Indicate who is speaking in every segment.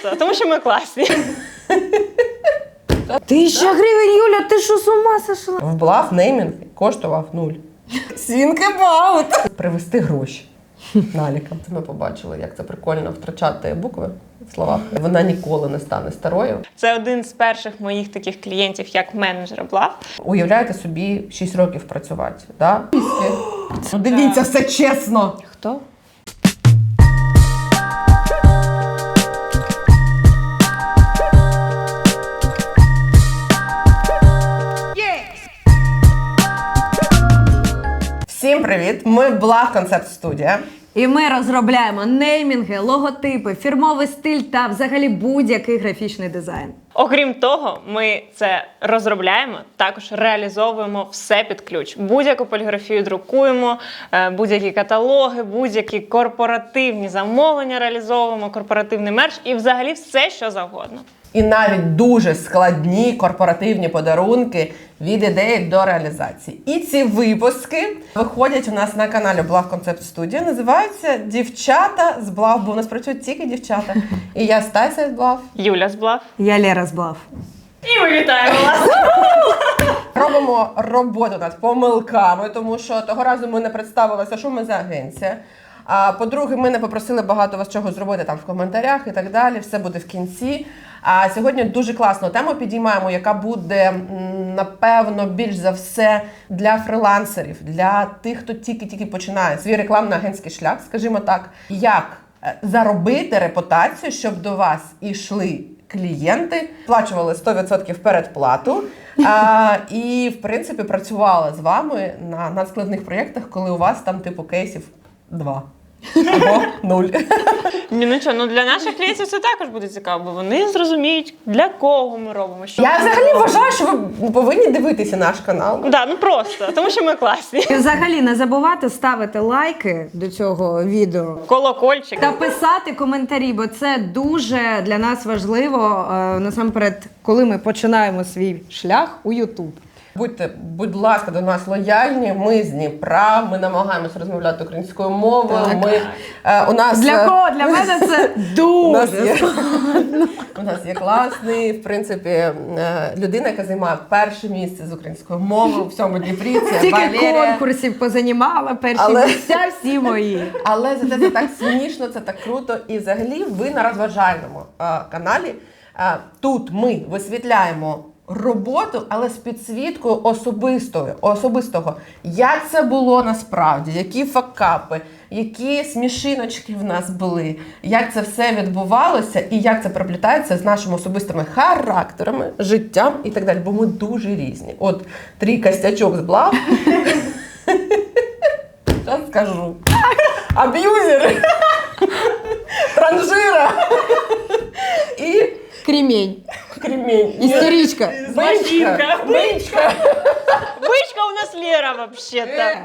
Speaker 1: просто, тому що ми класні.
Speaker 2: 1000 гривень, Юля, ти що, з ума сошла?
Speaker 3: В Блав неймінг коштував 0.
Speaker 2: Think about.
Speaker 3: Привезти гроші налікам. Ми побачили, як це прикольно втрачати букви в словах. Вона ніколи не стане старою.
Speaker 1: Це один з перших моїх таких клієнтів, як менеджера Блав.
Speaker 3: Уявляєте собі 6 років працювати, да? Ну, дивіться, все чесно.
Speaker 2: Хто?
Speaker 3: Всім привіт! Ми Блав Концепт Студія.
Speaker 2: І ми розробляємо неймінги, логотипи, фірмовий стиль та взагалі будь-який графічний дизайн.
Speaker 1: Окрім того, ми це розробляємо, також реалізовуємо все під ключ. Будь-яку поліграфію друкуємо, будь-які каталоги, будь-які корпоративні замовлення реалізовуємо, корпоративний мерч і взагалі все, що завгодно.
Speaker 3: І навіть дуже складні корпоративні подарунки від ідеї до реалізації. І ці випуски виходять у нас на каналі Блав Концепт Студія. Називаються «Дівчата з Блав», бо у нас працюють тільки дівчата. І я Стася з Блав.
Speaker 1: Юля з Блав.
Speaker 2: Я Лера з Блав.
Speaker 1: І ми вітаємо вас!
Speaker 3: Робимо роботу над помилками, тому що того разу ми не представилися, що ми за агенція. А по-друге, ми не попросили багато вас чого зробити там в коментарях і так далі. Все буде в кінці. А сьогодні дуже класну тему підіймаємо, яка буде, напевно, більш за все для фрилансерів, для тих, хто тільки-тільки починає свій рекламно-агентський шлях, скажімо так. Як заробити репутацію, щоб до вас ішли клієнти, сплачували 100% передплату і, в принципі, працювали з вами на надскладних проєктах, коли у вас там типу кейсів 2. Або 0.
Speaker 1: Ну для наших клієнтів це також буде цікаво, бо вони зрозуміють, для кого ми робимо. Що
Speaker 3: Я взагалі вважаю, що ви повинні дивитися наш канал.
Speaker 1: Да, ну просто, тому що ми класні.
Speaker 2: І взагалі не забувати ставити лайки до цього відео.
Speaker 1: Колокольчик.
Speaker 2: Та писати коментарі, бо це дуже для нас важливо, насамперед, коли ми починаємо свій шлях у YouTube.
Speaker 3: Будьте, будь ласка, до нас лояльні. Ми з Дніпра, ми намагаємося розмовляти українською мовою.
Speaker 2: Так.
Speaker 3: У нас
Speaker 2: Для кого? Для мене це дуже.
Speaker 3: У нас є класний, в принципі, людина, яка займає перше місце з українською мовою в всьому Дніпрі. Це
Speaker 2: Тільки
Speaker 3: Валерія.
Speaker 2: конкурсів позанімала, перші місця всі мої.
Speaker 3: Але зате це так смішно, це так круто. І взагалі ви на розважальному каналі. Тут ми висвітляємо роботу, але з підсвіткою особистого. Як це було насправді, які факапи, які смішиночки в нас були, як це все відбувалося і як це переплітається з нашими особистими характерами, життям і так далі, бо ми дуже різні. От 3 костячок з Блав. Зараз скажу. Аб'юзери, транжира і
Speaker 2: Кремень.
Speaker 3: кремень.
Speaker 2: Істеричка.
Speaker 1: Машинка.
Speaker 3: Бичка.
Speaker 1: Бичка у нас Лера, вообще-то.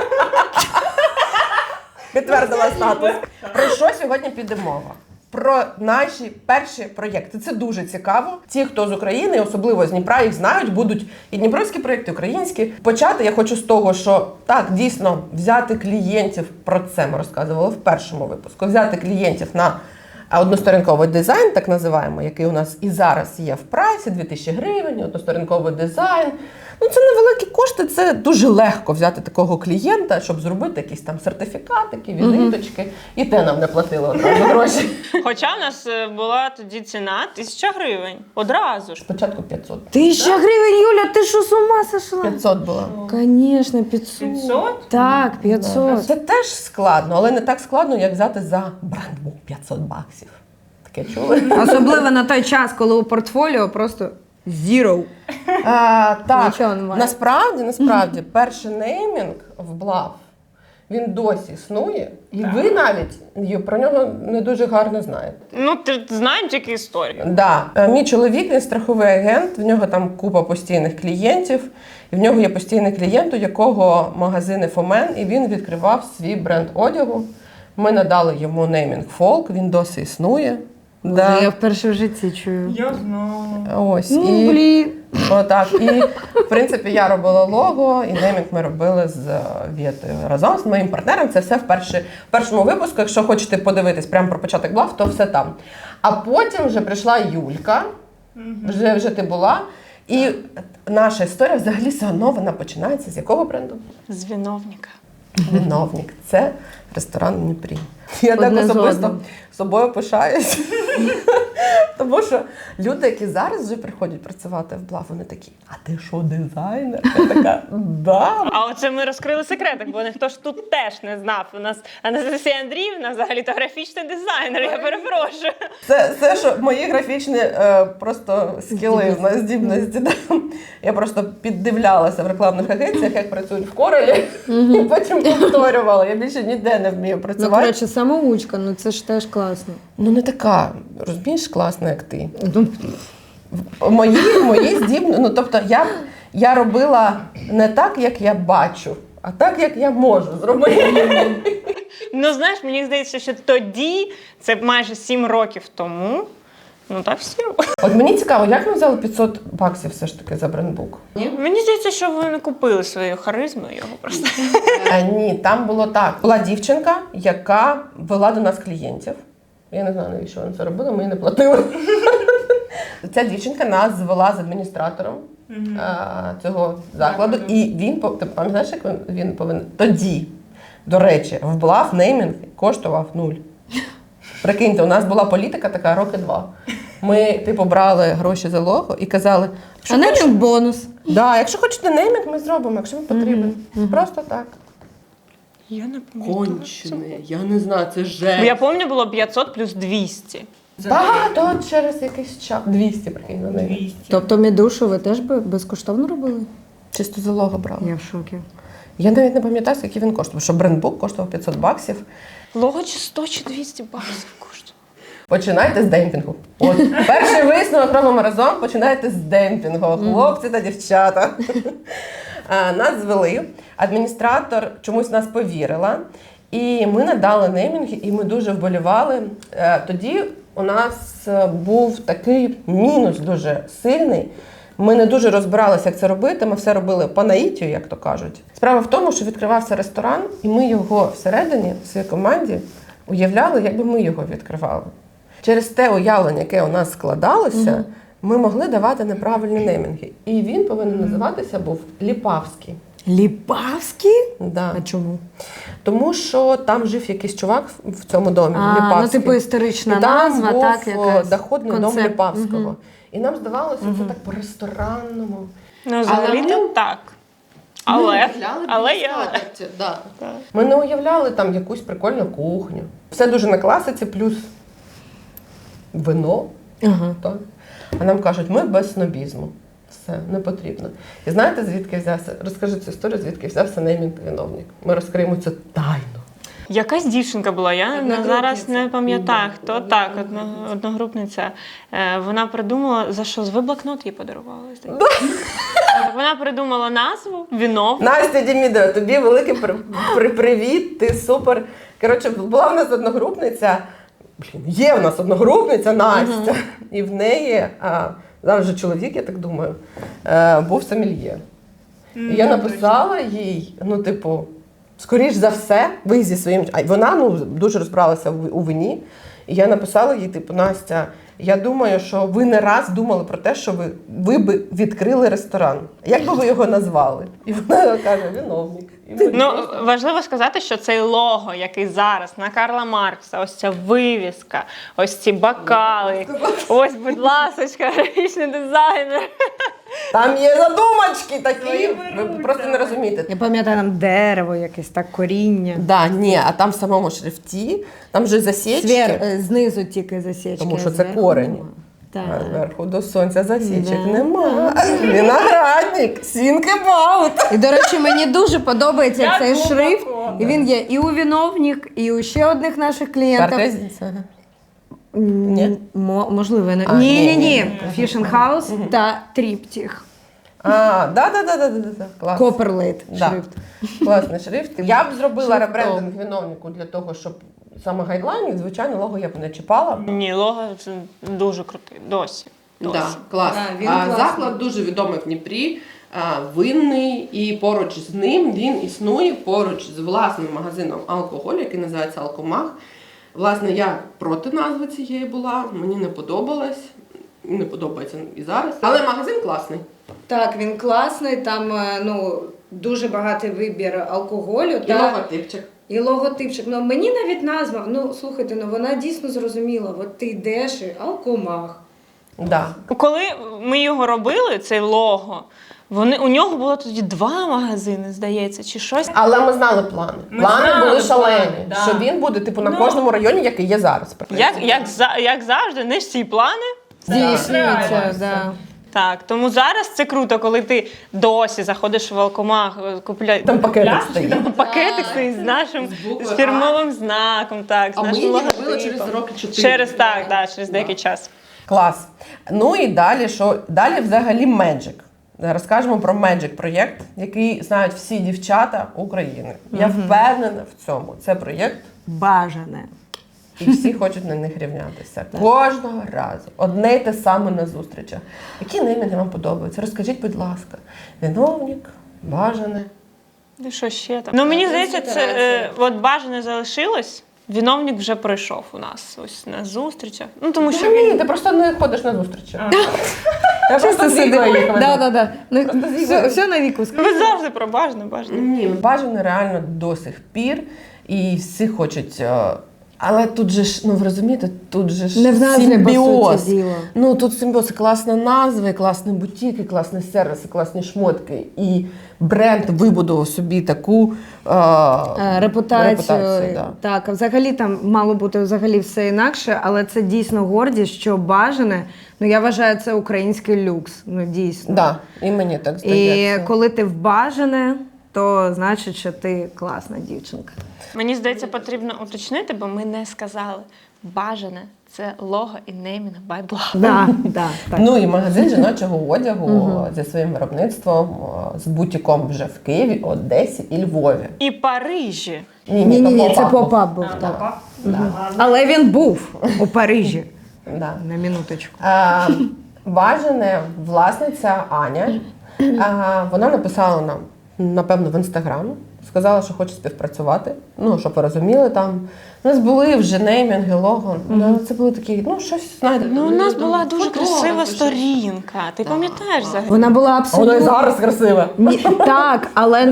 Speaker 3: Підтвердила статус. Про що сьогодні піде мова? Про наші перші проєкти. Це дуже цікаво. Ті, хто з України, особливо з Дніпра, їх знають, будуть і дніпровські проєкти, і українські. Почати я хочу з того, що так, дійсно, взяти клієнтів, про це ми розказували в першому випуску, взяти клієнтів на односторінковий дизайн, так називаємо, який у нас і зараз є в прайсі, 2000 гривень, односторінковий дизайн. Ну, це невеликі кошти, це дуже легко взяти такого клієнта, щоб зробити якісь там сертифікатики, візиточки. І те нам не платили одразу гроші.
Speaker 1: Хоча в нас була тоді ціна 1000 гривень. Одразу ж.
Speaker 3: Спочатку 500.
Speaker 2: 1000 гривень, Юля, ти що, з ума сошла?
Speaker 3: 500 було.
Speaker 2: Конечно, 500.
Speaker 1: 500?
Speaker 2: Так, 500.
Speaker 3: Це теж складно, але не так складно, як взяти за брендбук 500 баксів. Таке чули?
Speaker 2: Особливо на той час, коли у портфоліо просто zero.
Speaker 3: Так,
Speaker 2: Нічого немає.
Speaker 3: насправді, перший неймінг в Блав, він досі існує, і ви навіть про нього не дуже гарно знаєте.
Speaker 1: Ну, ти знаємо тільки історію.
Speaker 3: Да. Мій чоловік, він страховий агент, в нього там купа постійних клієнтів, і в нього є постійний клієнт, у якого магазини Фомен, і він відкривав свій бренд одягу. Ми надали йому неймінг Фолк, він досі існує. Да.
Speaker 2: Я вперше в житті чую.
Speaker 1: Я знала.
Speaker 3: Ось.
Speaker 2: Ну, блін.
Speaker 3: Отак. І, в принципі, я робила лого, і неймінг ми робили з Вєтою разом з моїм партнером. Це все в першому випуску. Якщо хочете подивитись прямо про початок блав, то все там. А потім вже прийшла Юлька, вже ти була. І наша історія взагалі все одно вона починається з якого бренду?
Speaker 1: З виновника.
Speaker 3: Виновник. Це ресторан в Дніпрі. Я так
Speaker 2: Одне з
Speaker 3: особисто
Speaker 2: одним.
Speaker 3: собою пишаюсь. Тому що люди, які зараз вже приходять працювати в Блав, вони такі, а ти що, дизайнер? Я така, да.
Speaker 1: А оце ми розкрили секретик, бо ніхто ж тут теж не знав. У нас Анастасія Андріївна взагалі-то графічний дизайнер, я перепрошую.
Speaker 3: Це що мої графічні просто скіли, здібності. Да. Я просто піддивлялася в рекламних агенціях, як працюють в Корелі, і потім повторювала. Я більше ніде не вмію
Speaker 2: Ну,
Speaker 3: працювати.
Speaker 2: коротше, самоучка, ну це ж теж класно.
Speaker 3: Ну не така, розумієш, класна, як ти.
Speaker 2: Ну,
Speaker 3: Мої здібності, ну тобто я робила не так, як я бачу, а так, як я можу зробити.
Speaker 1: Ну, знаєш, мені здається, що тоді, це майже 7 років тому, ну так всі робили.
Speaker 3: От мені цікаво, як ми взяли 500 баксів все ж таки за брендбук?
Speaker 1: Мені здається, що ви не купили свою харизму його просто.
Speaker 3: Ні, там було так. Була дівчинка, яка вела до нас клієнтів. Я не знаю, навіщо вона це робила, ми їй не платили. Ця дівчинка нас звела з адміністратором цього закладу. І він, ти пам'ятаєш, як він повинен? Тоді, до речі, в Блав неймінг коштував 0. Прикиньте, у нас була політика така роки 2. Ми, типу, брали гроші за лого і казали,
Speaker 2: а не там бонус.
Speaker 3: да, якщо хочете неймінг, ми зробимо, якщо вам потрібен. Просто так.
Speaker 1: Я не пам'ятаю.
Speaker 3: Кончене, я не знаю, це жесть.
Speaker 1: Я пам'ятаю, було 500 плюс 200.
Speaker 3: Так, то через якийсь час. 200, прикинь, на неї.
Speaker 2: Тобто мідушу ви теж безкоштовно робили?
Speaker 3: Чисто за лого брали.
Speaker 2: Я в шокі.
Speaker 3: Я навіть не пам'ятаю, скільки він коштував, що брендбук коштував 500 баксів.
Speaker 1: Лого чи 100 чи 200 баксів коштує.
Speaker 3: Починайте з демпінгу. От перший висновок робимо разом, починайте з демпінгу, хлопці та дівчата. Нас звели, адміністратор чомусь нас повірила, і ми надали неймінги, і ми дуже вболівали. Тоді у нас був такий мінус дуже сильний. Ми не дуже розбиралися, як це робити, ми все робили по наїтію, як то кажуть. Справа в тому, що відкривався ресторан, і ми його всередині, в своїй команді, уявляли, якби ми його відкривали. Через те уявлення, яке у нас складалося, ми могли давати неправильні неймінги. І він повинен називатися був Ліпавський.
Speaker 2: Ліпавський?
Speaker 3: Да.
Speaker 2: А чому?
Speaker 3: Тому що там жив якийсь чувак в цьому домі,
Speaker 2: Ну,
Speaker 3: Ліпавський.
Speaker 2: типу історична
Speaker 3: І там
Speaker 2: назва,
Speaker 3: був
Speaker 2: так, якась
Speaker 3: доходний дом
Speaker 2: концепт.
Speaker 3: Ліпавського. І нам здавалося, це так по-ресторанному.
Speaker 1: Ну, взагалі-то так. Але є.
Speaker 3: Ми не уявляли там якусь прикольну кухню. Все дуже на класиці, плюс вино.
Speaker 2: Ага.
Speaker 3: Так. А нам кажуть, ми без снобізму. Все, не потрібно. І знаєте, звідки взявся? Розкажи цю історію, звідки взявся неймінг виновник. Ми розкриємо це тайно.
Speaker 1: Якась дівчинка була, я
Speaker 3: Одногрупниця.
Speaker 1: зараз не пам'ятаю, хто так, одногрупниця. Вона придумала, за що? Ви блокнот їй подарували. здається. Вона придумала назву «Виновник».
Speaker 3: Настя Дімідова, тобі великий привіт, ти супер. Коротше, була в нас одногрупниця, є в нас одногрупниця Настя, і в неї, зараз вже чоловік, я так думаю, був сомельє. І я написала їй, ну, типу, скоріш за все, ви зі своїм... Вона дуже розбиралася у вині, і я написала їй, типу, Настя, я думаю, що ви не раз думали про те, що ви би відкрили ресторан. Як би ви його назвали? І вона каже, виновник. І ми
Speaker 1: Ну,
Speaker 3: просто-
Speaker 1: важливо сказати, що цей лого, який зараз на Карла Маркса, ось ця вивіска, ось ці бокали, ось, будь ласочка, графічний дизайнер.
Speaker 3: Там є задумочки такі, ви просто не розумієте.
Speaker 2: Я пам'ятаю, там дерево якесь, так, коріння.
Speaker 3: Да, ні, а там в самому шрифті, там же засічки,
Speaker 2: Знизу тільки засічки.
Speaker 3: тому що це
Speaker 2: зверху
Speaker 3: корень.
Speaker 2: нема. Так.
Speaker 3: А зверху до сонця засічок
Speaker 2: Да.
Speaker 3: нема. Виноградник, think about.
Speaker 2: І, до речі, мені дуже подобається
Speaker 1: Як
Speaker 2: цей
Speaker 1: глибоко.
Speaker 2: шрифт. І він є і у виновник, і у ще одних наших клієнтів.
Speaker 3: Картезниця. Ні?
Speaker 2: Можливо, не.
Speaker 3: А,
Speaker 2: Ні.
Speaker 3: ні.
Speaker 2: Фішн Хаус та Тріптіх.
Speaker 3: Да. Клас.
Speaker 2: Коперлейт
Speaker 3: Да.
Speaker 2: шрифт.
Speaker 3: Класний шрифт. Я б зробила
Speaker 2: Шрифтом.
Speaker 3: ребрендинг виновнику для того, щоб саме гайдлайн, звичайно, лого я б не чіпала.
Speaker 1: Ні, лого це дуже крутий. Досі.
Speaker 3: Да, клас.
Speaker 2: Він класний.
Speaker 3: Заклад дуже відомий в Дніпрі, винний, і поруч з ним він існує поруч з власним магазином алкоголю, який називається «Алкомах». Власне, я проти назви цієї була, мені не подобалось, не подобається і зараз. Але магазин класний.
Speaker 2: Так, він класний, там дуже багатий вибір алкоголю.
Speaker 3: І логотипчик.
Speaker 2: І логотипчик. Ну, мені навіть назва, слухайте, вона дійсно зрозуміла. От ти йдеш і алкомах.
Speaker 3: Да.
Speaker 1: Коли ми його робили, цей лого, у нього було тоді 2 магазини, здається, чи щось.
Speaker 3: Але ми знали плани. Плани
Speaker 1: знали
Speaker 3: були шалені,
Speaker 1: плани, да.
Speaker 3: що він буде на кожному районі, який є зараз.
Speaker 1: Як завжди, не всі плани.
Speaker 2: Здійснюється, да.
Speaker 1: Так, тому зараз це круто, коли ти досі заходиш в алкомах, купляєш
Speaker 3: Там пакетик стоїть.
Speaker 1: пакетик стоїть з нашим
Speaker 3: буквою
Speaker 1: з фірмовим знаком, так, з
Speaker 3: А ми
Speaker 1: нашим
Speaker 3: її
Speaker 1: логотипом.
Speaker 3: робили через роки 4.
Speaker 1: Через деякий час.
Speaker 3: Клас. Ну і далі, що? Далі взагалі Magic. Розкажемо про Magic проєкт, який знають всі дівчата України. Я впевнена в цьому. Це проєкт,
Speaker 2: Бажане.
Speaker 3: і всі хочуть на них рівнятися. Кожного разу. Одне й те саме на зустрічах. Які неймінги вам подобаються? Розкажіть, будь ласка. Виновник, бажане.
Speaker 1: І що ще там? Ну, мені здається, це от бажане залишилось. Виновник вже пройшов у нас ось на зустрічах. Ну, тому що
Speaker 3: Ні, ти просто не ходиш на зустрічі. Я просто з Вікою їх веду.
Speaker 2: Все на віку.
Speaker 1: ви завжди про бажане.
Speaker 3: Ні, бажано реально до сих пір. І всі хочуть. Але тут же ж, ви розумієте, тут же ж
Speaker 2: Не в назві,
Speaker 3: симбіоз.
Speaker 2: по суті діла.
Speaker 3: Ну, тут симбіоз, класна назва, і класні бутіки, класні сервіси, класні шмотки. І бренд вибудував собі таку
Speaker 2: Репутацію.
Speaker 3: да.
Speaker 2: Так, а взагалі там мало бути взагалі все інакше, але це дійсно гордість, що бажане. Я вважаю, це український люкс. Дійсно.
Speaker 3: Да, і мені так
Speaker 2: І
Speaker 3: здається.
Speaker 2: коли ти в бажане, то значить, що ти класна дівчинка.
Speaker 1: Мені здається, потрібно уточнити, бо ми не сказали. Бажане – це лого і неймінг by Blah.
Speaker 2: Да, так.
Speaker 3: Ну і магазин жіночого одягу зі своїм виробництвом, з бутіком вже в Києві, Одесі і Львові.
Speaker 1: І Парижі.
Speaker 2: Ні, це поп-ап був. Так. Але він був у Парижі.
Speaker 3: Да.
Speaker 2: На минуточку.
Speaker 3: Бажане власниця Аня. Вона написала нам, напевно, в Інстаграм. Сказала, що хоче співпрацювати. Щоб ви розуміли, там у нас були вже неймінги, лого. Це були такі, щось, знаєте.
Speaker 1: У нас була дуже красива сторінка. Ти пам'ятаєш взагалі?
Speaker 2: Вона була
Speaker 3: Вона і
Speaker 2: абсолютно...
Speaker 3: зараз красива.
Speaker 2: Так, але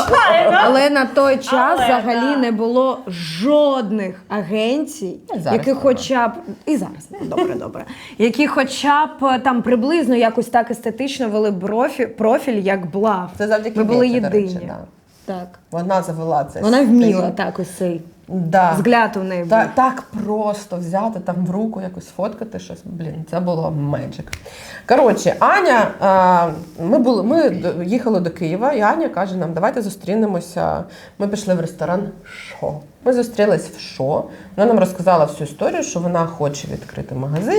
Speaker 2: на той час взагалі не було жодних агенцій, які хоча б... І зараз, добре. Які хоча б там приблизно якось так естетично вели профіль, як Блав.
Speaker 3: Це завдяки
Speaker 2: Ми були
Speaker 3: Віці, до речі,
Speaker 2: єдині.
Speaker 3: да.
Speaker 2: Так.
Speaker 3: Вона завела це.
Speaker 2: Вона вміла так ось цей взгляд у неї був.
Speaker 3: Так просто взяти там в руку, якось фоткати щось. Це було меджик. Коротше, Аня, ми їхали до Києва, і Аня каже нам, давайте зустрінемося. Ми пішли в ресторан «Шо». Ми зустрілись в «Шо». Вона нам розказала всю історію, що вона хоче відкрити магазин.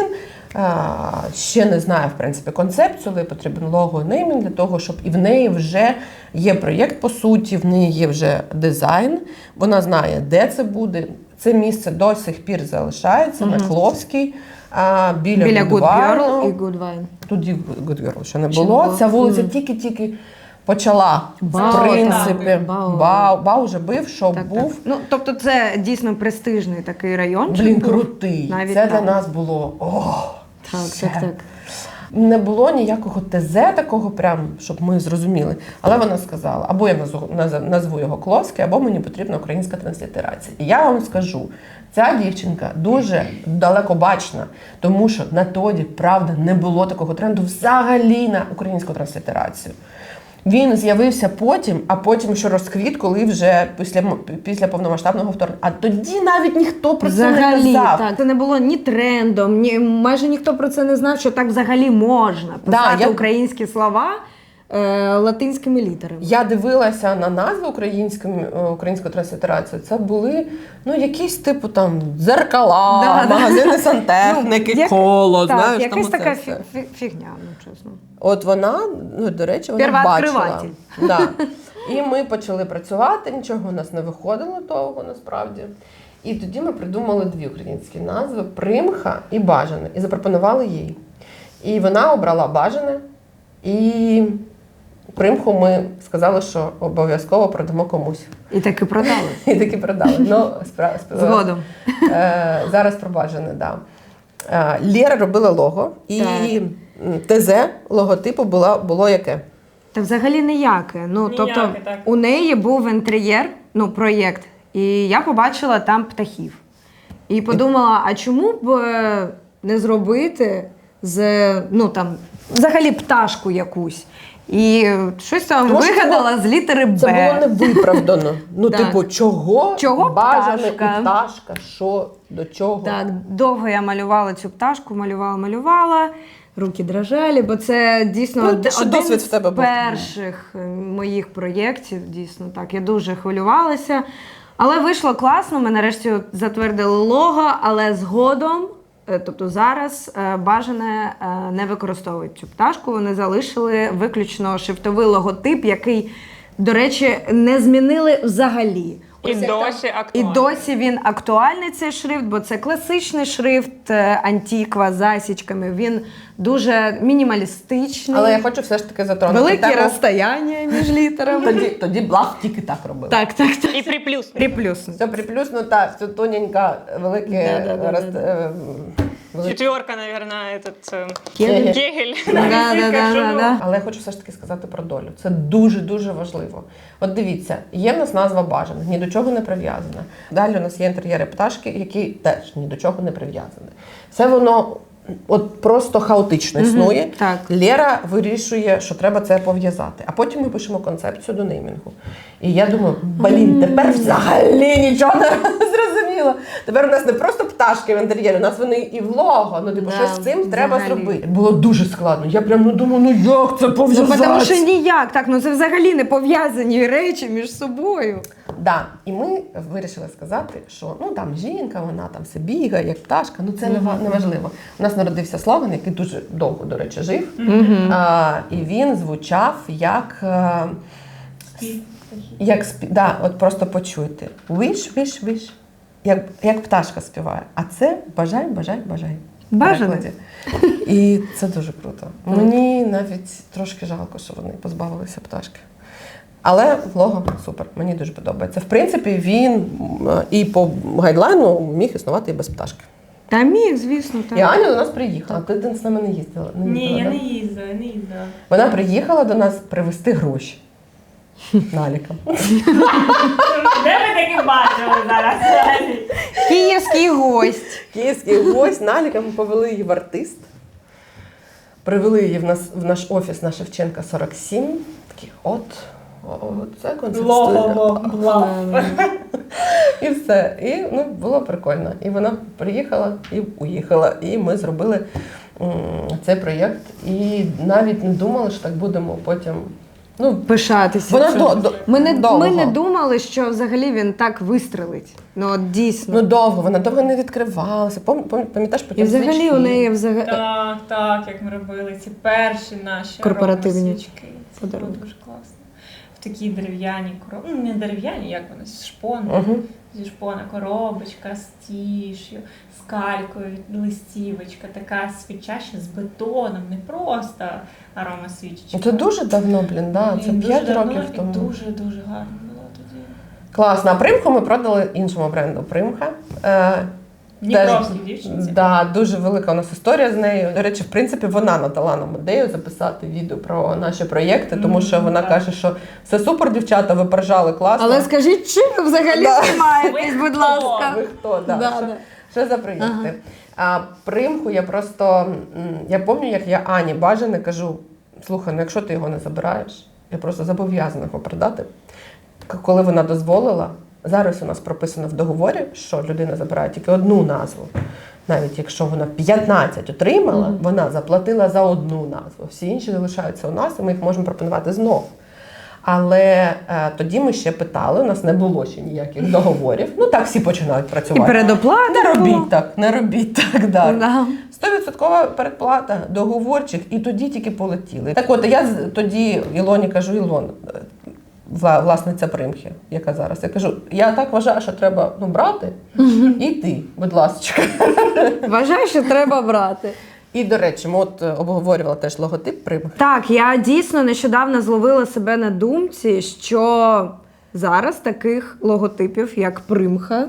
Speaker 3: Ще не знає, в принципі, концепцію, але потрібен лого і неймінг для того, щоб і в неї вже є проєкт, по суті, в неї є вже дизайн, вона знає, де це буде. Це місце до сих пір залишається на Кловській, біля
Speaker 2: Good
Speaker 3: Good
Speaker 2: Girl
Speaker 3: Wine.
Speaker 2: і Good Wine.
Speaker 3: Тоді Good Girl ще не було. Ця вулиця тільки-тільки почала, в принципі. Бау вже бив, що був.
Speaker 2: Тобто це дійсно престижний такий райончик.
Speaker 3: Крутий.
Speaker 2: Навіть
Speaker 3: це
Speaker 2: так.
Speaker 3: для нас було,
Speaker 2: Так.
Speaker 3: Не було ніякого ТЗ такого, прям, щоб ми зрозуміли. Але вона сказала, або я назву його Кловський, або мені потрібна українська транслітерація. І я вам скажу, ця дівчинка дуже далекобачна, тому що на тоді, правда, не було такого тренду взагалі на українську транслітерацію. Він з'явився потім, а потім ще розквіт, коли вже після повномасштабного вторгнення. А тоді навіть ніхто про це не казав.
Speaker 2: Так. Це не було ні трендом, майже ніхто про це не знав, що так взагалі можна писати українські слова латинськими літерами.
Speaker 3: Я дивилася на назви української транслітерації. Це були якісь типу там дзеркала, магазини сантехніки, коло.
Speaker 2: Так,
Speaker 3: знаєш,
Speaker 2: якась
Speaker 3: там
Speaker 2: така
Speaker 3: оце все.
Speaker 2: фігня, чесно.
Speaker 3: От вона, до речі, вона бачила. Да. І ми почали працювати, нічого у нас не виходило довго насправді. І тоді ми придумали дві українські назви – Примха і Бажане. І запропонували їй. І вона обрала Бажане. І Примху ми сказали, що обов'язково продамо комусь.
Speaker 2: І таки продали.
Speaker 3: І таки продали. Ну,
Speaker 2: Згодом.
Speaker 3: Зараз про Бажане, да. Лєра робила лого, і
Speaker 2: Так.
Speaker 3: ТЗ логотипу було яке?
Speaker 2: Та взагалі ніяке. Ну,
Speaker 1: Ніяке,
Speaker 2: тобто,
Speaker 1: так.
Speaker 2: у неї був інтер'єр, ну, проєкт, і я побачила там птахів. І подумала, а чому б не зробити ну, там, взагалі пташку якусь? І щось там
Speaker 3: Тому що
Speaker 2: вигадала з літери Б.
Speaker 3: Це було невиправдано. Ну,
Speaker 2: Так.
Speaker 3: типу, чого Бажане
Speaker 2: пташка?
Speaker 3: і пташка? Що, до чого?
Speaker 2: Так, довго я малювала цю пташку, малювала. Руки дрожали, бо це дійсно
Speaker 3: Ну, те, що
Speaker 2: один
Speaker 3: досвід
Speaker 2: з
Speaker 3: в тебе був.
Speaker 2: перших моїх проєктів. Дійсно так. Я дуже хвилювалася. Але вийшло класно. Ми нарешті затвердили лого, але згодом, тобто зараз, Бажане не використовують цю пташку. Вони залишили виключно шрифтовий логотип, який, до речі, не змінили взагалі.
Speaker 1: І досі
Speaker 2: І
Speaker 1: актуально.
Speaker 2: досі він актуальний, цей шрифт, бо це класичний шрифт, антіква з засічками. Він дуже мінімалістичний.
Speaker 3: Але я хочу все ж таки затронути
Speaker 2: Великі
Speaker 3: тему.
Speaker 2: розстояння між літерами.
Speaker 3: Тоді блав тільки так робив.
Speaker 2: Так.
Speaker 1: І приплюс.
Speaker 2: Приплюс.
Speaker 3: Все приплюснуто, все тоненько, велике
Speaker 1: Четверка, наверное, этот
Speaker 3: Кегель.
Speaker 1: Кегель.
Speaker 2: Да.
Speaker 3: Але я хочу все ж таки сказати про долю. Це дуже-дуже важливо. От дивіться, є в нас назва Бажане, ні до чого не прив'язана. Далі у нас є інтер'єри пташки, які теж ні до чого не прив'язані. Все воно от просто хаотично існує.
Speaker 2: так.
Speaker 3: Лєра вирішує, що треба це пов'язати. А потім ми пишемо концепцію до неймінгу. І я думаю, тепер взагалі нічого не зрозуміло. Тепер у нас не просто пташки в інтер'єрі, у нас вони і в лого. Ну, типу,
Speaker 2: Да,
Speaker 3: щось з цим треба
Speaker 2: взагалі.
Speaker 3: зробити. Було дуже складно. Я прям думаю, як це
Speaker 2: Ну,
Speaker 3: пов'язати?
Speaker 2: тому що ніяк, так, ну це взагалі не пов'язані речі між собою.
Speaker 3: Да. І ми вирішили сказати, що ну там жінка, вона там все бігає, як пташка, ну це не важливо. У нас народився слоган, який дуже довго, до речі, жив. І він звучав як от просто почуйте. Wish. Як пташка співає. А це бажай.
Speaker 2: Бажане.
Speaker 3: І це дуже круто. Мені навіть трошки жалко, що вони позбавилися пташки. Але лого супер, мені дуже подобається. В принципі, він і по гайдлайну міг існувати і без пташки.
Speaker 2: Та міг, звісно, так.
Speaker 3: І Аня до нас приїхала. Ти з нами не їздила?
Speaker 1: Ні, я
Speaker 3: да?
Speaker 1: не їздила.
Speaker 3: Вона приїхала до нас привезти гроші. Наліком.
Speaker 1: Де ви таки бачили зараз?
Speaker 2: Київський гость.
Speaker 3: Київський гость наліком, ми повели її в артист. Привели її в наш офіс на Шевченка 47. Такі, це концепт студія. І все. І було прикольно. І вона приїхала і уїхала. І ми зробили цей проєкт. І навіть не думали, що так будемо потім.
Speaker 2: Пишатися. Ми не
Speaker 3: довго.
Speaker 2: думали, що взагалі він так вистрелить. Ну, от дійсно.
Speaker 3: Довго, вона довго не відкривалася. Пам'ятаєш, потім
Speaker 2: І взагалі
Speaker 3: свічки.
Speaker 2: у неї
Speaker 1: Так, як ми робили ці перші наші
Speaker 2: Корпоративні
Speaker 1: свічки. Це було
Speaker 2: подарунки.
Speaker 1: дуже класно. В такій дерев'яній коробці. Ну, не дерев'яні, як вони, з шпони. Зі шпона коробочка з тіш'ю, з калькою, листівочка, така свіча ще з бетоном, не просто арома свічечка.
Speaker 3: Це дуже давно, це 5 років тому.
Speaker 1: Дуже гарно було тоді.
Speaker 3: Класно. А Примху ми продали іншому бренду Примха.
Speaker 1: Дніпровській дівчинці.
Speaker 3: Да, дуже велика у нас історія з нею. До речі, в принципі, вона надала нам ідею записати відео про наші проєкти, тому що вона каже, що все супер, дівчата, ви поржали класно.
Speaker 2: Але скажіть, чим ви взагалі знімаєтесь,
Speaker 1: Ви
Speaker 2: будь
Speaker 1: хто?
Speaker 2: ласка.
Speaker 3: Ви хто?
Speaker 2: Да.
Speaker 3: Що за проєкти? А Примху я пам'ятаю, як я Ані Бажане кажу, слухай, якщо ти його не забираєш, я просто зобов'язана його продати. Коли вона дозволила, зараз у нас прописано в договорі, що людина забирає тільки одну назву. Навіть якщо вона 15 отримала, вона заплатила за одну назву. Всі інші залишаються у нас, і ми їх можемо пропонувати знов. Але тоді ми ще питали, у нас не було ще ніяких договорів. Так всі починають працювати.
Speaker 2: І передоплата.
Speaker 3: Не робіть так, далі.
Speaker 2: Да.
Speaker 3: 100% передплата, договорчик, і тоді тільки полетіли. Так от, я тоді Ілоні кажу, Ілон, власниця примхи, яка зараз. Я кажу, я так вважаю, що треба брати і йти, будь ласка.
Speaker 2: Вважаю, що треба брати.
Speaker 3: І, до речі, ми обговорювали теж логотип примхи.
Speaker 2: Так, я дійсно нещодавно зловила себе на думці, що зараз таких логотипів, як примха,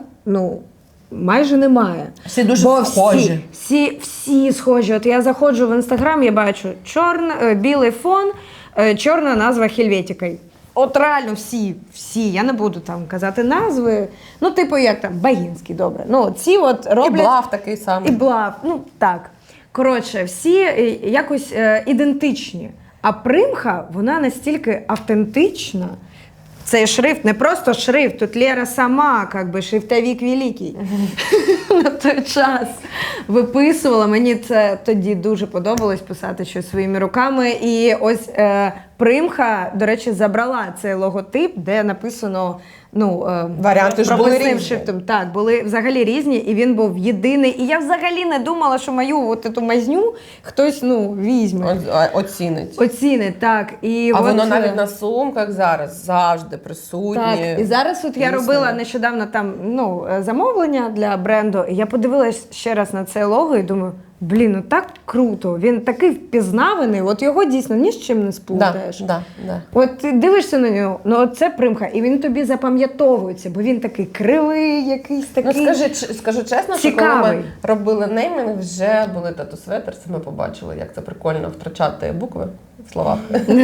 Speaker 2: майже немає.
Speaker 3: Всі дуже схожі.
Speaker 2: Всі схожі. От я заходжу в Інстаграм, я бачу білий фон, чорна назва Хельветіка. От реально всі. Я не буду там казати назви. Типу як там, Багінський, добре. Ці от роблять...
Speaker 3: І Блав такий самий.
Speaker 2: І Блав, так. Коротше, всі якось ідентичні. А примха, вона настільки автентична. Цей шрифт не просто шрифт, тут Лера сама, шрифтовик великий. На той час виписувала. Мені це тоді дуже подобалось писати щось своїми руками. І ось примха, до речі, забрала цей логотип, де написано
Speaker 3: варіанти ж були різні.
Speaker 2: Шрифтом. Так, були взагалі різні, і він був єдиний. І я взагалі не думала, що мою ту мазню хтось візьме. Оцінить, так. І
Speaker 3: воно навіть на сумках зараз завжди присутнє.
Speaker 2: Так, і зараз я робила нещодавно там замовлення для бренду, і я подивилась ще раз на це лого і думаю, так круто, він такий впізнаваний, от його дійсно ні з чим не сплутаєш.
Speaker 3: Да.
Speaker 2: От ти дивишся на нього, це примха, і він тобі запам'ятовується, бо він такий кривий, якийсь такий
Speaker 3: скажу чесно, що коли ми робили неймінг, вже були тату-светерси, ми побачили, як це прикольно втрачати букви в словах.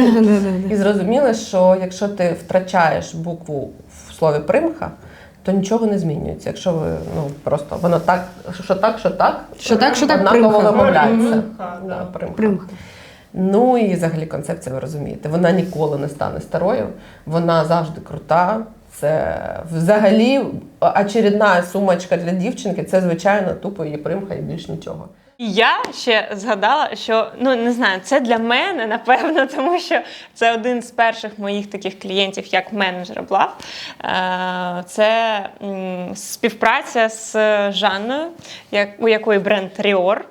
Speaker 3: І зрозуміли, що якщо ти втрачаєш букву в слові примха, то нічого не змінюється. Якщо ви просто воно так, що так, однаково вимовляється.
Speaker 2: Примха.
Speaker 3: І взагалі концепція, ви розумієте, вона ніколи не стане старою, вона завжди крута. Це взагалі очередна сумочка для дівчинки, це звичайно тупо її примха і більш нічого.
Speaker 1: Я ще згадала, що, не знаю, це для мене, напевно, тому що це один з перших моїх таких клієнтів, як менеджера Блав. Це співпраця з Жанною, у якої бренд Ріор.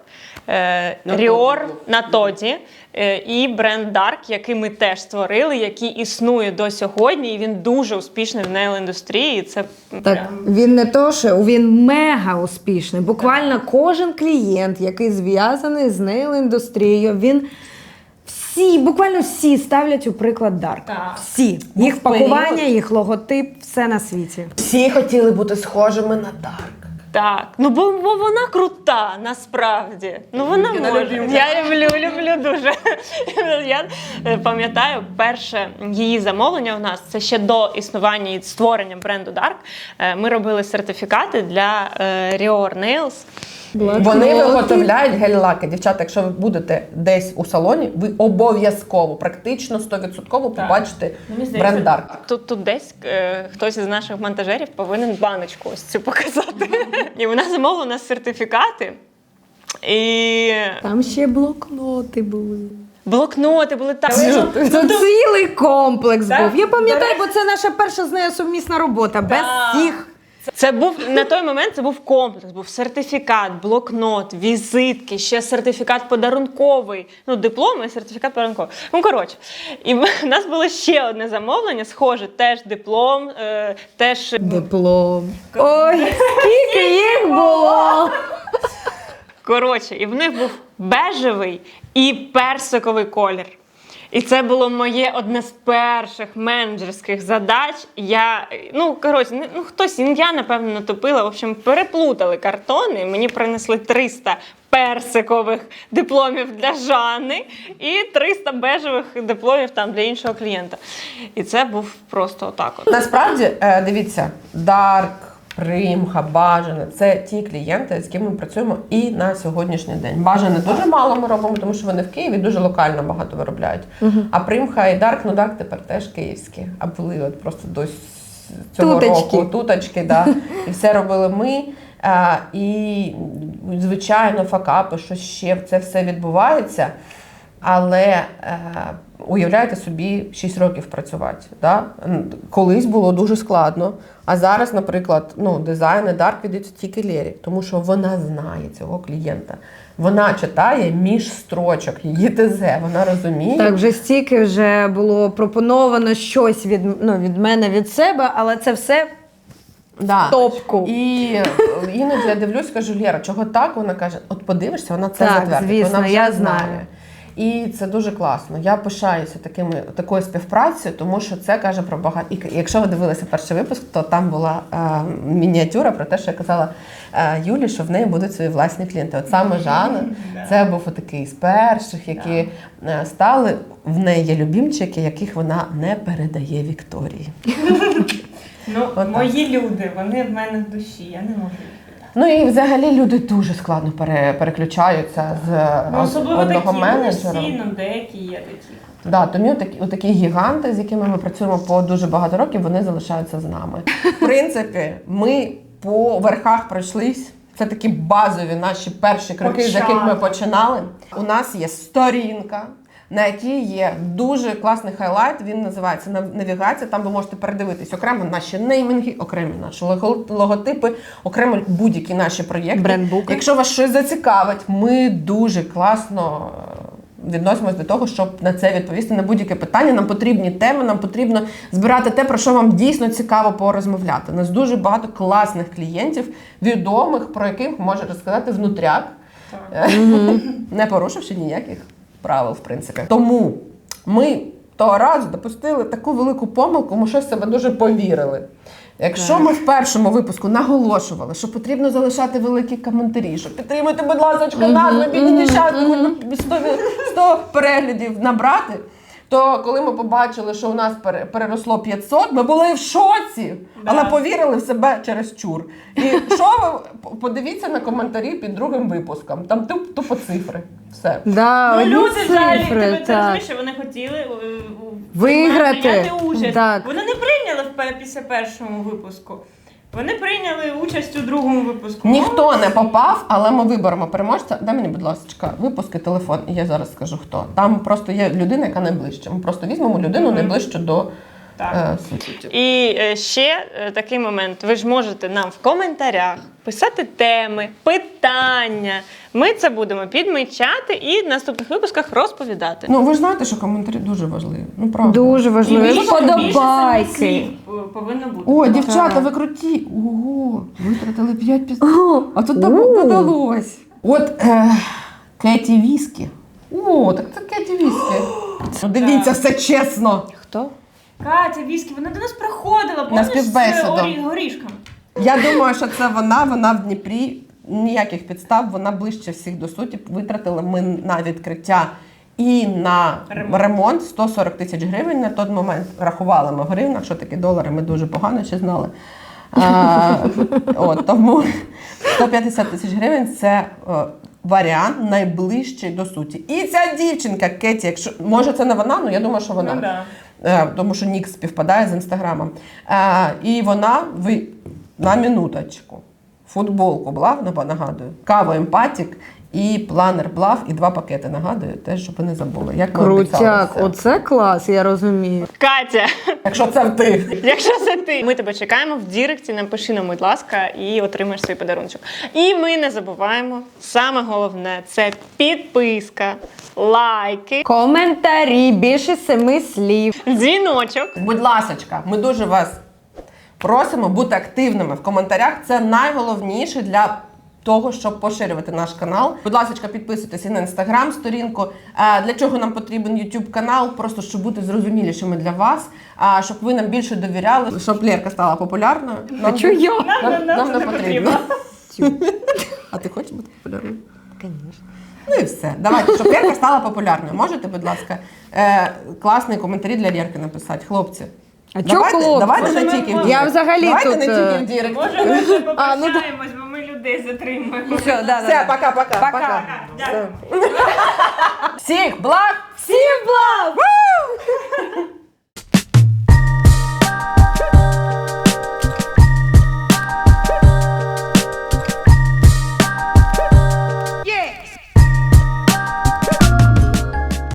Speaker 1: Ріор на Тоді і бренд Dark, який ми теж створили, який існує до сьогодні, і він дуже успішний в нейл-індустрії. Це
Speaker 2: він не то, що він мега успішний. Буквально кожен клієнт, який зв'язаний з нейл-індустрією, він буквально всі ставлять у приклад Dark.
Speaker 1: Так.
Speaker 2: Всі. Їх пакування, їх логотип, все на світі.
Speaker 3: Всі хотіли бути схожими на Dark.
Speaker 1: Так, бо вона крута, насправді. Вона може. Я люблю дуже. Я пам'ятаю, перше її замовлення у нас, це ще до існування і створення бренду Dark. Ми робили сертифікати для Rior Nails.
Speaker 3: Вони виготовляють гель-лаки. Дівчата, якщо ви будете десь у салоні, ви обов'язково, практично 100% побачите бренд Dark.
Speaker 1: Тут десь хтось із наших монтажерів повинен баночку ось цю показати. І вона замовила у нас сертифікати. І
Speaker 2: там ще блокноти були.
Speaker 1: Блокноти були так.
Speaker 2: Це цілий комплекс був. Я пам'ятаю, бо це наша перша з нею сумісна робота. Без всіх.
Speaker 1: Це був на той момент. Це був комплекс, був сертифікат, блокнот, візитки, ще сертифікат подарунковий. Диплом і сертифікат подарунковий. Коротше, і в нас було ще одне замовлення, схоже, теж диплом, теж
Speaker 2: диплом. Ой, скільки їх було!
Speaker 1: Коротше, і в них був бежевий і персиковий колір. І це було моє одне з перших менеджерських задач. Хтось, я, напевно, натопила. В общем, переплутали картони. Мені принесли 300 персикових дипломів для Жанни і 300 бежевих дипломів для іншого клієнта. І це був просто отак от.
Speaker 3: Насправді, дивіться, Dark, Примха, Бажане – це ті клієнти, з ким ми працюємо і на сьогоднішній день. Бажане дуже мало ми робимо, тому що вони в Києві дуже локально багато виробляють. А Примха і Dark, Dark тепер теж київські, а були просто до цього року туточки, і все робили ми. І, звичайно, факапи, що ще це все відбувається. Але уявляєте собі 6 років працювати. Да? Колись було дуже складно. А зараз, наприклад, дизайн і дарк віддається тільки Лері, тому що вона знає цього клієнта. Вона читає між строчок, її ТЗ, вона розуміє.
Speaker 2: Так, вже стільки вже було пропоновано щось від мене, від себе, але це все
Speaker 3: Да.
Speaker 2: топку.
Speaker 3: І іноді я дивлюсь, кажу, Лєра, чого так? Вона каже, от подивишся, вона це
Speaker 2: Так,
Speaker 3: затвердить.
Speaker 2: звісно,
Speaker 3: вона вже
Speaker 2: я
Speaker 3: знає.
Speaker 2: знаю.
Speaker 3: І це дуже класно. Я пишаюся такою співпрацею, тому що це каже про багато. І якщо ви дивилися перший випуск, то там була мініатюра про те, що я казала Юлі, що в неї будуть свої власні клієнти. От саме Жанна, це був такий з перших, які стали. В неї є любімчики, яких вона не передає Вікторії.
Speaker 1: Мої люди, вони в мене в душі, я не можу їх.
Speaker 3: Ну і взагалі люди дуже складно переключаються з
Speaker 1: Особливо
Speaker 3: одного
Speaker 1: такі,
Speaker 3: менеджера.
Speaker 1: деякі є такі.
Speaker 3: Да, тому такі гіганти, з якими ми працюємо по дуже багато років, вони залишаються з нами. В принципі, ми по верхах пройшлись. Це такі базові наші перші кроки, з яких ми починали. У нас є сторінка, на якій є дуже класний хайлайт, він називається «Навігація». Там ви можете передивитись окремо наші неймінги, окремі наші логотипи, окремо будь-які наші проєкти.
Speaker 2: Брендбуки.
Speaker 3: Якщо вас щось зацікавить, ми дуже класно відносимось до того, щоб на це відповісти на будь-яке питання. Нам потрібні теми, нам потрібно збирати те, про що вам дійсно цікаво порозмовляти. У нас дуже багато класних клієнтів, відомих, про яких може розказати внутряк, не порушивши ніяких правил, в принципі. Тому ми того разу допустили таку велику помилку, ми щось в себе дуже повірили. Якщо ми в першому випуску наголошували, що потрібно залишати великі коментарі, що підтримуйте, будь ласка, нас, ми бідні дівчата, 100 переглядів набрати, то коли ми побачили, що у нас переросло 500, ми були в шоці, але повірили в себе через чур. І що ви подивіться на коментарі під другим випуском, там тупо цифри. Все.
Speaker 2: Да, одні
Speaker 1: Люди взагалі,
Speaker 2: цифри,
Speaker 1: ти
Speaker 2: так.
Speaker 1: розумієш, що вони хотіли
Speaker 2: Виграти.
Speaker 1: прийняти участь.
Speaker 2: Так.
Speaker 1: Вони не прийняли після першого випуску. Вони прийняли участь у другому випуску.
Speaker 3: Ніхто не попав, але ми виберемо переможця. Дай мені, будь ласка, випуск і телефон, і я зараз скажу хто. Там просто є людина, яка найближче. Ми просто візьмемо людину найближче до суті.
Speaker 1: І ще такий момент. Ви ж можете нам в коментарях писати теми, питання. Ми це будемо підмічати і в наступних випусках розповідати.
Speaker 3: Ну, ви ж знаєте, що коментарі дуже важливі. Ну, правда.
Speaker 2: Дуже важливо.
Speaker 1: більше самих
Speaker 2: Вподобайки.
Speaker 1: слів повинно бути.
Speaker 3: О, дівчата, ви круті! Ого, витратили 5 пісень. А тут додалось. От Кеті Віскі. О, так це Кеті Віскі. Ну, дивіться, все чесно.
Speaker 2: Хто?
Speaker 1: Катя Віскі, вона до нас приходила, помниш,
Speaker 3: співбесіду.
Speaker 1: з горішками.
Speaker 3: Я думаю, що це вона в Дніпрі. Ніяких підстав, вона ближче всіх до суті. Витратили ми на відкриття і на ремонт 140 тисяч гривень на той момент. Рахували ми в гривнах, що таке долари, ми дуже погано ще знали. Тому 150 тисяч гривень – це варіант найближчий до суті. І ця дівчинка Кеті, якщо може це не вона, але я думаю, що вона.
Speaker 1: Ну, да.
Speaker 3: Тому що нік співпадає з інстаграмом. І вона на минуточку. Футболку Блав, нагадую, каву Емпатік і планер Блав, і 2 пакети, нагадую, теж, щоб ви не забули. Як ми
Speaker 2: Крутяк,
Speaker 3: обіцяли.
Speaker 2: оце клас, я розумію.
Speaker 1: Катя,
Speaker 3: Якщо це ти.
Speaker 1: якщо це ти, ми тебе чекаємо в Діректі, напиши нам, будь ласка, і отримаєш свій подарунок. І ми не забуваємо, саме головне, це підписка, лайки,
Speaker 2: Коментарі, більше 7 слів.
Speaker 1: дзвіночок.
Speaker 3: Будь ласочка, ми дуже вас просимо бути активними в коментарях. Це найголовніше для того, щоб поширювати наш канал. Будь ласка, підписуйтесь і на інстаграм-сторінку. Для чого нам потрібен YouTube канал? Просто щоб бути зрозумілішими для вас, щоб ви нам більше довіряли, щоб Лєрка стала популярною.
Speaker 2: А чого я?
Speaker 3: Нам не потрібно. А ти хочеш бути популярною?
Speaker 2: Звісно.
Speaker 3: Ну і все. Давайте, щоб Лєрка стала популярною. Можете, будь ласка, класні коментарі для Лєрки написати, хлопці?
Speaker 2: А чого хлопці?
Speaker 3: Давайте
Speaker 1: Може,
Speaker 3: не тільки в
Speaker 1: ми-
Speaker 3: Дірект.
Speaker 2: Я взагалі
Speaker 3: давайте
Speaker 2: тут,
Speaker 3: не тільки в Дірект.
Speaker 1: Може, ми ще попрощаємось, бо ми людей затримуємо.
Speaker 2: Все,
Speaker 3: Все, пока-пока.
Speaker 2: Пока.
Speaker 1: Дякую.
Speaker 3: Всіх благ!